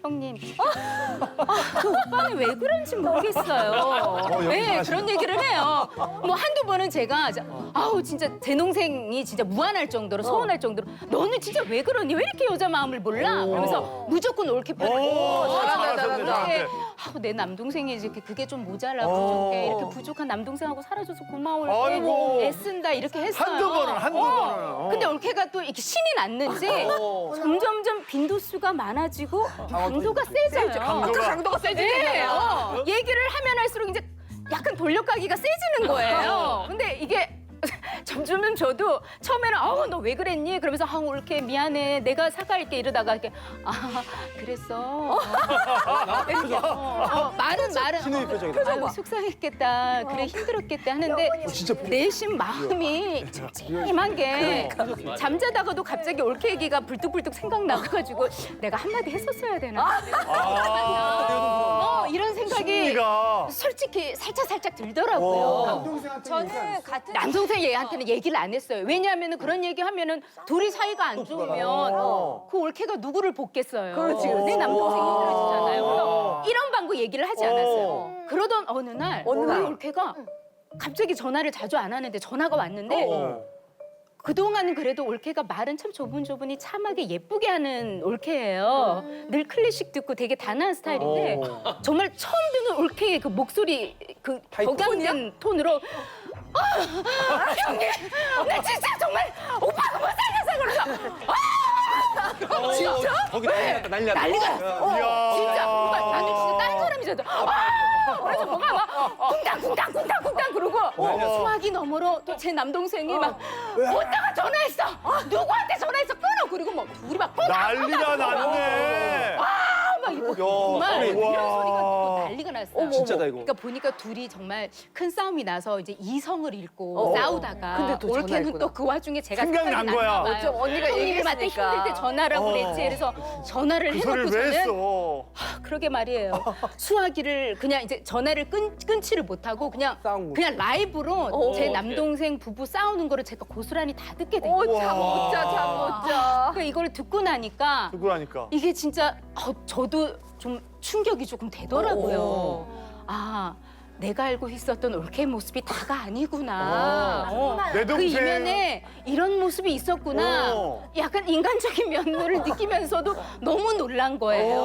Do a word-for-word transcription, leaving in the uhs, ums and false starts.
형님, 아, 그 오빠는 왜 그런지 모르겠어요. 네, 그런 얘기를 해요. 뭐 한두 번은 제가 아우 진짜 제 동생이 진짜 무안할 정도로 서운할 정도로 너는 진짜 왜 그러니? 왜 이렇게 여자 마음을 몰라? 그러면서 무조건 옳게 표현하고 잘한다, 잘한다. 이렇게 아우 내 남동생이 이렇게 그게 좀 모자라 부족해 이렇게 부족한 남동생하고 살아줘서 고마워 이렇게 아이고. 애쓴다 이렇게 했어요. 한두 번은, 한두 번은. 어. 근데 올케가 또 이렇게 신이 났는지 점점점 빈도수가 많아지고 강도가 세져요. 강도가. 강도가 세지. 네, 어, 얘기를 하면 할수록 이제 약간 돌려가기가 세지는 거예요. 근데 이게 점점점 저도 처음에는 아우 너 왜 그랬니? 그러면서 아 올케 미안해 내가 사과할게 이러다가 이렇게 아 그랬어. 이렇게 어, 어, 말은 말은 신우이 표정이다. 아유 속상했겠다 그래 힘들었겠다 하는데 내심 마음이 찜찜한 게 잠자다가도 갑자기 올케 얘기가 불뚝불뚝 생각나가지고 내가 한마디 했었어야 되나 어, 이런 생각이 심리가. 솔직히 살짝 살짝 들더라고요. 저는 같은 남동생 얘한테는 얘기를 안 했어요. 왜냐하면 그런 얘기하면은 둘이 사이가 안 좋으면 그 올케가 누구를 돕겠어요. 그렇지, 그렇지. 내 남동생이 힘들어지잖아요. 그래서 이런 방구 얘기를 하지 않았어요. 그러던 어느 날 어느 날. 우리 올케가 갑자기 전화를 자주 안 하는데 전화가 왔는데 어. 그동안은 그래도 올케가 말은 참 조분조분히 참하게 예쁘게 하는 올케예요. 늘 클래식 듣고 되게 단아한 스타일인데 정말 처음 듣는 올케의 그 목소리 그 격양된 톤으로 아, 형님 나 진짜 정말 오빠가 못 살려서 그러죠. 진짜? 거기 난리 났다, 난리 났다. 난리가 났어. 이야. 진짜 오빠 나는 진짜 다른 사람이잖아. 아! 그래서 뭐가 막 쿵당쿵당 쿵당쿵당 그러고 소화기 너머로 또 제 남동생이 막 오빠가 전화했어. 누구한테 전화했어? 끊어. 그리고 뭐 둘이 막 쿵당 난리가 났네. 막 이거 정말 소리. 이런 우와. 소리가 듣고 난리가 났어요. 진짜다, 이거. 그러니까 보니까 둘이 정말 큰 싸움이 나서 이제 이성을 잃고 싸우다가 근데 또 올케는 전화했구나. 또 그 와중에 제가 생각난 생각이 거야. 났나 봐요. 어쩜 언니가 형님한테 얘기했으니까. 힘들 때 전화라고 어. 그랬지. 그래서 전화를 그 해놓고 소리를 왜 저는 했어? 그러게 말이에요. 수화기를 그냥 이제 전화를 끊, 끊지를 못하고 그냥 싸운 거. 그냥 라이브로 어. 제 남동생 부부 싸우는 거를 제가 고스란히 다 듣게 된 오, 거예요. 잠 못 자, 잠 못 자. 그러니까 이걸 듣고 나니까 누구 하니까. 이게 진짜 어, 저도 좀 충격이 조금 되더라고요. 아, 내가 알고 있었던 올케의 모습이 다가 아니구나. 어. 내 그 동생. 이면에 이런 모습이 있었구나. 어. 약간 인간적인 면모를 느끼면서도 너무 놀란 거예요.